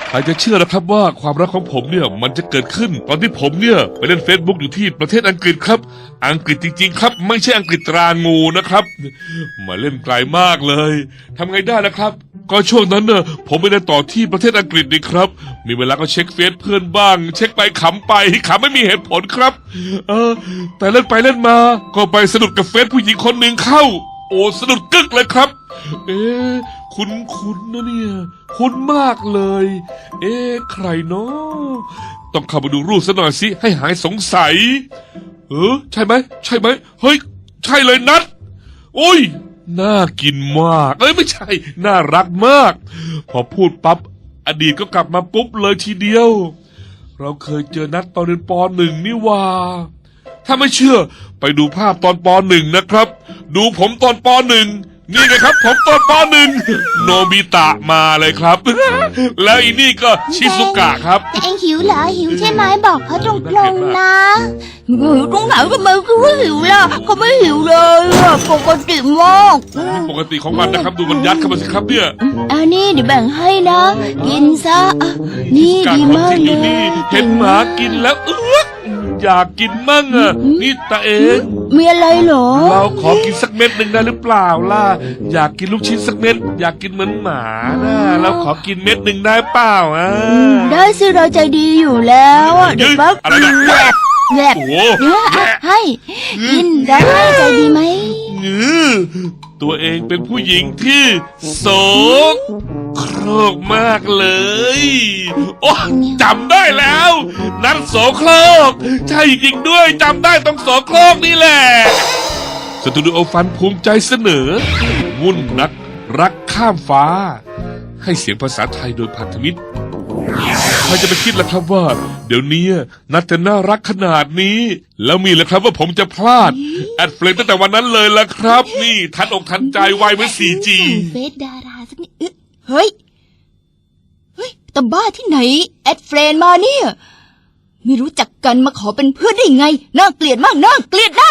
ใครจะเชื่อนะครับว่าความรักของผมเนี่ยมันจะเกิดขึ้นตอนที่ผมเนี่ยไปเล่น Facebook อยู่ที่ประเทศอังกฤษครับอังกฤษจริงๆครับไม่ใช่อังกฤษตรางูนะครับมาเล่นไกลมากเลยทำไงได้นะครับก็ช่วงนั้นเนี่ยผมไปเล่นต่อที่ประเทศอังกฤษนี่ครับมีเวลาก็เช็คเฟซเพื่อนบ้างเช็คไปขำไปขำไม่มีเหตุผลครับแต่เล่นไปเล่นมาก็ไปสะดุดกับเฟซผู้หญิงคนหนึ่งเข้าโอ้สะดุดกึกเลยครับคุ้นนะเนี่ยคุ้นมากเลยใครเนาะต้องเข้ามาดูรูปซะหน่อยสิให้หายสงสัยใช่ไหมเฮ้ยใช่เลยนัดโอ้ยน่ากินมากไม่ใช่น่ารักมากพอพูดปั๊บอดีตก็กลับมาปุ๊บเลยทีเดียวเราเคยเจอนัดตอนเรียนป.1 นี่ว่าถ้าไม่เชื่อไปดูภาพตอนป.1 นะครับดูผมตอนป.1นี่ไงครับผมตอนป.1 โนบิตะมาเลยครับ แล้วอีนี่ก็ชิซุกะครับแต่เองหิวเหรอหิวใช่ไหมบอกเขาตรงๆนะหิวตรงไหนก็ไม่รู้หิวล่ะเขาไม่หิวเลยปกติมากปกติของมันนะครับดูมันยัดเข้ามาสิครับเนี่ยนี่เดี๋ยวแบ่งให้นะกินซะนี่ดีมากเลยเห็นหมากินแล้วอยากกินมั่งนี่ตาเองมีอะไรเหรอเราขอกินสักเม็ดหนึ่งได้หรือเปล่าล่ะอยากกินลูกชิ้นสักเม็ดอยากกินเหมือนหมานะเราขอกินเม็ดหนึ่งได้เปล่าได้สิเราใจดีอยู่แล้วเดี๋ยวปั๊บแหลกให้กินได้ใจดีไหมตัวเองเป็นผู้หญิงที่โสโครกมากเลยโอ้จำได้แล้วนัดโสโครกใช่จริงด้วยจำได้ต้องโสโครกนี่แหละสตูดิโอฟันภูมิใจเสนอวุ่นนักรักข้ามฟ้าให้เสียงภาษาไทยโดยพันธมิตรใครจะไปคิดล่ะครับว่าเดี๋ยวนี้นัดจะน่ารักขนาดนี้แล้วมีล่ะครับว่าผมจะพลาดแอดเฟรนตั้งแต่วันนั้นเลยล่ะครับนี่ทันอกทันใจไวเหมือน 4G เฟซดาราสักนิดเฮ้ยแต่บ้าที่ไหนแอดเฟรนมาเนี่ยไม่รู้จักกันมาขอเป็นเพื่อนได้ไงน่าเกลียดมากน่าเกลียด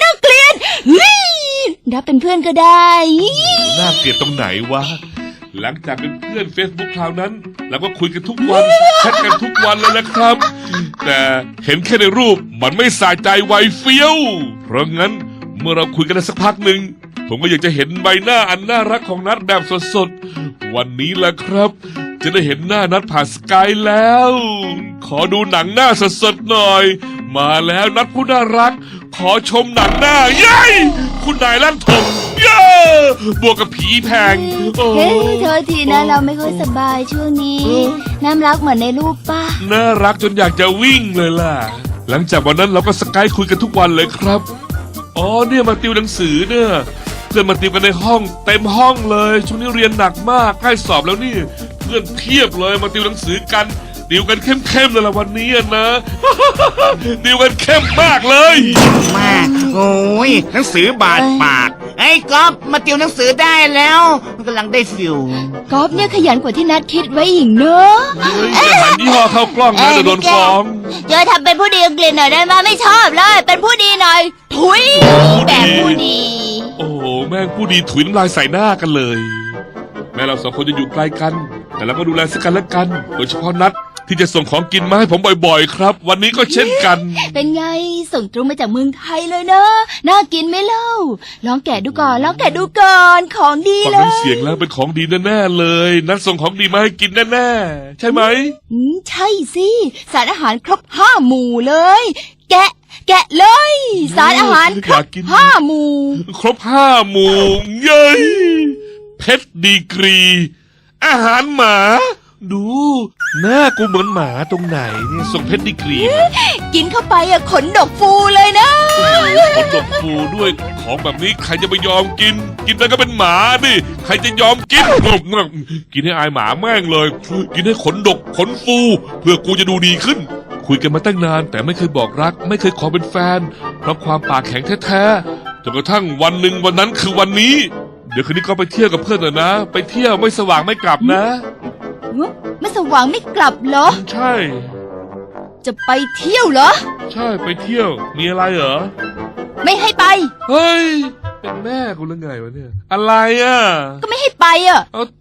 รับเป็นเพื่อนก็ได้น่าเกลียดตรงไหนวะหลังจากเป็นเพื่อน Facebook คราวนั้นเราก็คุยกันทุกวันแชทกันทุกวันเลยนะครับ แต่เห็นแค่ในรูปมันไม่สะใจไวเฟี้ยวเพราะงั้นเมื่อเราคุยกันได้สักพักหนึ่งผมก็อยากจะเห็นใบหน้าอันน่ารักของนัดแบบสดๆวันนี้แหละครับจะได้เห็นหน้านัดผ่านสกายแล้วขอดูหนังหน้าสดๆหน่อยมาแล้วนัดผู้น่ารักขอชมหนังหน้าเย้คุณนายลั่นทมเย้บวกกับผีแพงเธอทีนะเราไม่ค่อยสบายช่วงนี้น้ำรักเหมือนในรูปป่ะน่ารักจนอยากจะวิ่งเลยล่ะหลังจากวันนั้นเราก็สกายคุยกันทุกวันเลยครับเนี่ยมาติวหนังสือเนี่ยเพื่อนมาติวกันในห้องเต็มห้องเลยช่วงนี้เรียนหนักมากใกล้สอบแล้วนี่เพื่อนเพียบเลยมาติวหนังสือกันติวกันเข้มเลยละวันนี้นะติวกันเข้มมากเลยมากโอ้ยหนังสือบาดปากไอ้ก๊อฟมาติวหนังสือได้แล้วมันกำลังได้ฟิลก๊อฟเนี่ยขยันกว่าที่นัดคิดไว้อีกเนอะจะหันยี่ห้อเข้ากล้องนะจะโดนฟ้องจะทำเป็นผู้ดีอังกฤษหน่อยได้ไหมไม่ชอบเลยเป็นผู้ดีหน่อยถุยแบบผู้ดีโอ้แม่งผู้ดีถุยน้ำลายใส่หน้ากันเลยแม้เราสองคนจะอยู่ไกลกันแต่เราก็ดูแลซึ่งกันและกันโดยเฉพาะนัดที่จะส่งของกินมาให้ผมบ่อยๆครับวันนี้ก็เช่นกันเป็นไงส่งตรงมาจากเมืองไทยเลยนะน่ากินไหมเล่าลองแกะดูก่อนของดีเลยฟังน้ำเสียงแล้วเป็นของดีแน่ๆเลยนัดส่งของดีมาให้กินแน่ๆใช่ไหมใช่สิสารอาหารครบ5 หมู่เลยแกะเลยสารอาหารครบ5 หมู่ครบ5 หมู่เย้ยเพชรดีกรีอาหารหมาดูหน้ากูเหมือนหมาตรงไหนเนี่ยส่งเพชรดีกรีกินเข้าไปขนดกฟูเลยนะขนดกฟูด้วยของแบบนี้ใครจะไปยอมกินแล้วก็เป็นหมาดิใครจะยอมกินกินให้อายหมาแม่งเลยกินให้ขนดกขนฟูเพื่อกูจะดูดีขึ้นคุยกันมาตั้งนานแต่ไม่เคยบอกรักไม่เคยขอเป็นแฟนเพราะความปากแข็งแท้ๆจนกระทั่งวันหนึ่งวันนั้นคือวันนี้เดี๋ยวคืนนี้ก็ไปเที่ยวกับเพื่อนหน่อยนะไปเที่ยวไม่สว่างไม่กลับนะไม่สว่างไม่กลับเหรอใช่จะไปเที่ยวเหรอใช่ไปเที่ยวมีอะไรเหรอไม่ให้ไปเฮ้ยเป็นแม่กูหรือไงวะเนี่ยอะไรก็ไม่ให้ไป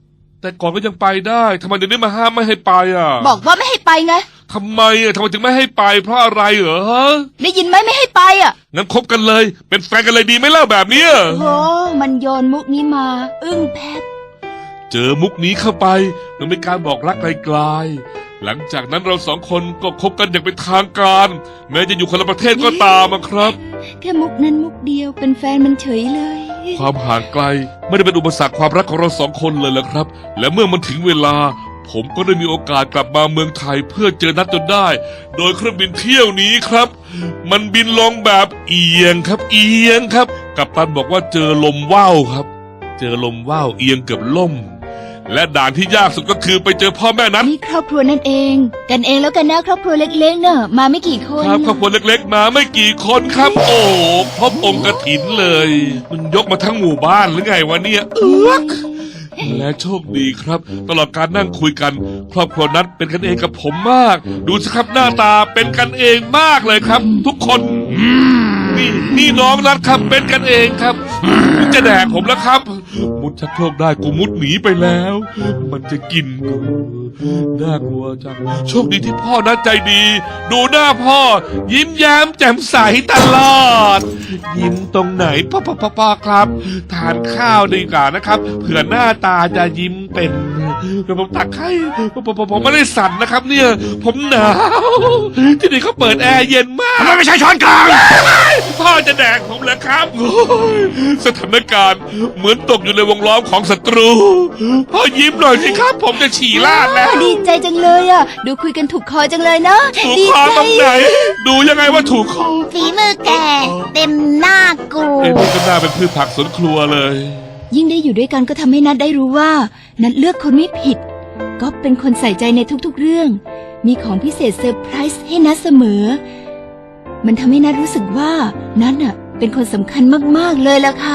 แต่ก่อนก็ยังไปได้ทำไมเดี๋ยวนี้มาห้ามไม่ให้ไปอ่ะบอกว่าไม่ให้ไปไงทำไมอ่ะทำไมถึงไม่ให้ไปเพราะอะไรเหรอฮะได้ยินไหมไม่ให้ไปอ่ะงั้นคบกันเลย เป็นแฟนกันเลยดีไหมล่ะแบบเนี้ยโอ้มันโยนมุกนี้มา อึ้งแพบเจอมุกนี้เข้าไปมันเป็นการบอกรักไกลๆหลังจากนั้นเราสองคนก็คบกันอย่างเป็นทางการ แม้จะอยู่คนละประเทศก็ตามอะครับแค่มุกนั้นมุกเดียวเป็นแฟนมันเฉยเลยความห่างไกลไม่ได้เป็นอุปสรรคความรักของเราสองคนเลยละครับ และเมื่อมันถึงเวลา ผมก็ได้มีโอกาสกลับมาเมืองไทยเพื่อเจอนัดจนได้ โดยเครื่องบินเที่ยวนี้ครับ มันบินลงแบบเอียงครับ เอียงครับกัปตันบอกว่าเจอลมว่าวครับ เจอลมว่าวเอียงเกือบล่ม และด่านที่ยากสุดก็คือไปเจอพ่อแม่นั้นนี่ครอบครัวนั่นเอง กันเองแล้วกันนะครอบครัวเล็กๆเนอะมาไม่กี่คนครับครอบครัวเล็กๆมาไม่กี่คนครับ โอ้โหครบองค์กฐินเลย มันยกมาทั้งหมู่บ้านหรือไงวะเนี่ยและโชคดีครับ ตลอดการนั่งคุยกัน ครอบครัวนัดเป็นกันเองกับผมมาก ดูสิครับหน้าตาเป็นกันเองมากเลยครับ ทุกคนนี่น้องนัดครับเป็นกันเองครับมึงจะแดกผมแล้วครับ มุดชักโครกได้กูมุดหนีไปแล้ว มันจะกินกูน่ากลัวจังโชคดีที่พ่อนัดใจดี ดูหน้าพ่อ ยิ้มแย้มแจ่มใสตลอด ยิ้มตรงไหนพ่อครับ ทานข้าวดีกว่านะครับเผื่อหน้าตาจะยิ้มเป็นเดี๋ยวผมตักให้ผมไม่ได้สั่นนะครับ เนี่ย ผมหนาวที่นี่เขาเปิดแอร์เย็นมากทำไมไม่ใช่ช้อนกลางพ่อจะแดกผมเหรอครับโอ้ยสถานการณ์เหมือนตกอยู่ในวงล้อมของศัตรู พ่อยิ้มหน่อยสิครับ ผมจะฉี่ราดแล้วดีใจจังเลยอ่ะ ดูคุยกันถูกคอจังเลยเนาะถูกดีคอใจตรงไหน ดูยังไงว่าถูกคอฝีมือแกเต็มหน้ากูเอ็นนี่ก็น่าเป็นพืชผักสวนครัวเลยยิ่งได้อยู่ด้วยกันก็ทำให้นัดได้รู้ว่า นัดเลือกคนไม่ผิด ก็เป็นคนใส่ใจในทุกๆเรื่อง มีของพิเศษเซอร์ไพรส์ให้นัดเสมอ มันทำให้นัดรู้สึกว่านัดน่ะเป็นคนสำคัญมากๆเลยล่ะค่ะ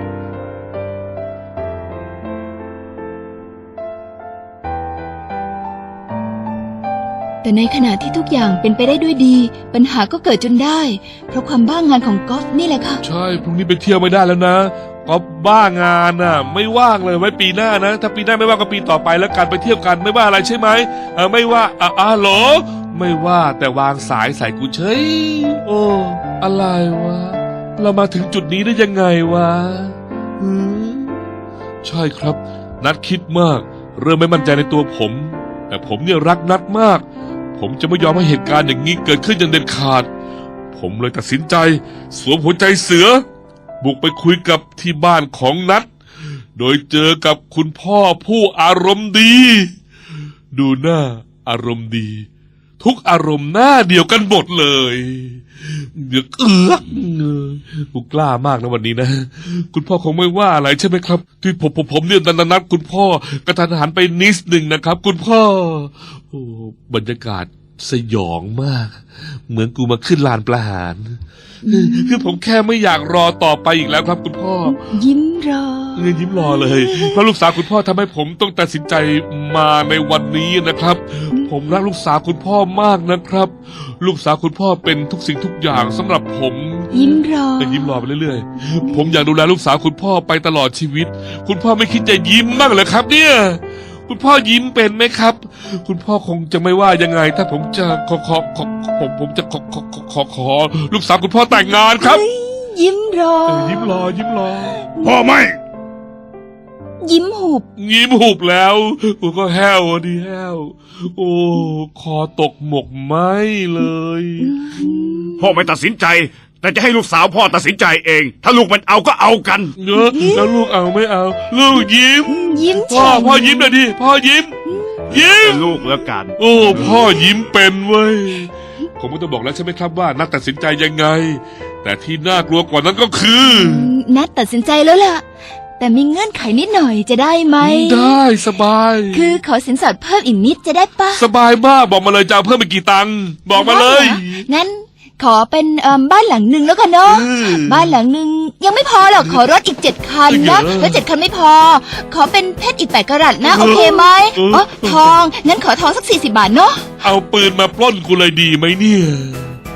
แต่ในขณะที่ทุกอย่างเป็นไปได้ด้วยดี ปัญหาก็เกิดจนได้ เพราะความบ้างานของกอล์ฟนี่แหละค่ะใช่พรุ่งนี้ไปเที่ยวไม่ได้แล้วนะก็บ้างานน่ะ ไม่ว่างเลยไว้ปีหน้านะ ถ้าปีหน้าไม่ว่างก็ปีต่อไปแล้วกันไปเที่ยวกันไม่ว่าอะไรใช่ไหมไม่ว่าเหรอไม่ว่าแต่วางสายใส่กูเฉยโอ้อะไรวะเรามาถึงจุดนี้ได้ยังไงวะหือใช่ครับ นัดคิดมาก เริ่มไม่มั่นใจในตัวผม แต่ผมเนี่ยรักนัดมาก ผมจะไม่ยอมให้เหตุการณ์อย่างนี้เกิดขึ้นอย่างเด็ดขาด ผมเลยตัดสินใจสวมหัวใจเสือ บุกไปคุยกับที่บ้านของนัดโดยเจอกับคุณพ่อผู้อารมณ์ดี ดูหน้าอารมณ์ดี ทุกอารมณ์หน้าเดียวกันหมดเลยเดือดกูกล้ามากนะวันนี้นะ คุณพ่อคงไม่ว่าอะไรใช่ไหมครับ ที่ผมเนี่ยนัดคุณพ่อกระทันหันไปนิดหนึ่งนะครับ คุณพ่อโอ้บรรยากาศสยองมาก เหมือนกูมาขึ้นลานประหารคือผมแค่ไม่อยากรอต่อไปอีกแล้วครับคุณพ่อยิ้มรอยิ้มรอเลยเพราะลูกสาวคุณพ่อทำให้ผมต้องตัดสินใจมาในวันนี้นะครับ ผมรักลูกสาวคุณพ่อมากนะครับ ลูกสาวคุณพ่อเป็นทุกสิ่งทุกอย่างสำหรับผมยิ้มรอยิ้มรอไปเรื่อยๆผมอยากดูแลลูกสาวคุณพ่อไปตลอดชีวิต คุณพ่อไม่คิดจะยิ้มบ้างเหรอครับ เนี่ย คุณพ่อยิ้มเป็นไหมครับ คุณพ่อคงจะไม่ว่ายังไง ถ้าผมจะผมจะขอลูกสาวคุณพ่อแต่งงานครับยิ้มรอยิ้มรอพ่อไม่ยิ้มหุบยิ้มหุบแล้วกูก็แห้วดิแห้วโอ้คอตกหมกไหมเลยพ่อไม่ตัดสินใจ แต่จะให้ลูกสาวพ่อตัดสินใจเอง ถ้าลูกมันเอาก็เอากันเนอะแล้วลูกเอาไม่เอา ลูกยิ้มยิ้มพ่อยิ้มหน่อยดิพ่อยิ้ม ยิ้มเป็นลูกแล้วกันโอ้พ่อยิ้มเป็นเว้ยผมก็ต้องบอกแล้วใช่ไหมครับว่านักตัดสินใจยังไง แต่ที่น่ากลัวกว่านั้นก็คือนัดตัดสินใจแล้วล่ะ แต่มีเงื่อนไขนิดหน่อยจะได้ไหมได้สบายคือขอสินสอดเพิ่มอีกนิดจะได้ปะสบายมากบอกมาเลยจะเอาเพิ่มไปกี่ตังค์บอกมาเลยได้หรองั้นขอเป็นบ้านหลังหนึ่งแล้วกันเนาะ บ้านหลังหนึ่งยังไม่พอหรอกขอรถอีก7 คันนะแล้ว7 คันไม่พอ ขอเป็นเพชรอีก8 กะรัตนะโอเคไหมอ๋อทองงั้นขอทองสัก40 บาทเนาะเอาปืนมาปล้นกูเลยดีไหมเนี่ย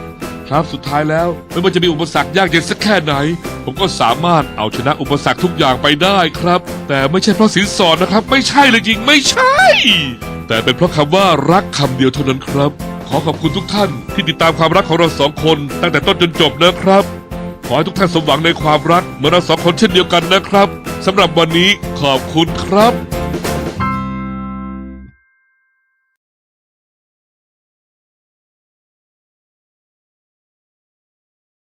ครับสุดท้ายแล้วไม่ว่าจะมีอุปสรรคยากเย็นสักแค่ไหน ผมก็สามารถเอาชนะอุปสรรคทุกอย่างไปได้ครับ แต่ไม่ใช่เพราะสินสอดนะครับ ไม่ใช่เลยจริงไม่ใช่ แต่เป็นเพราะคำว่ารักคำเดียวเท่านั้นครับ ขอขอบคุณทุกท่านที่ติดตามความรักของเราสองคนตั้งแต่ต้นจนจบนะครับ ขอให้ทุกท่านสมหวังในความรักเหมือนเราสองคนเช่นเดียวกันนะครับสำหรับวันนี้ขอบคุณครับ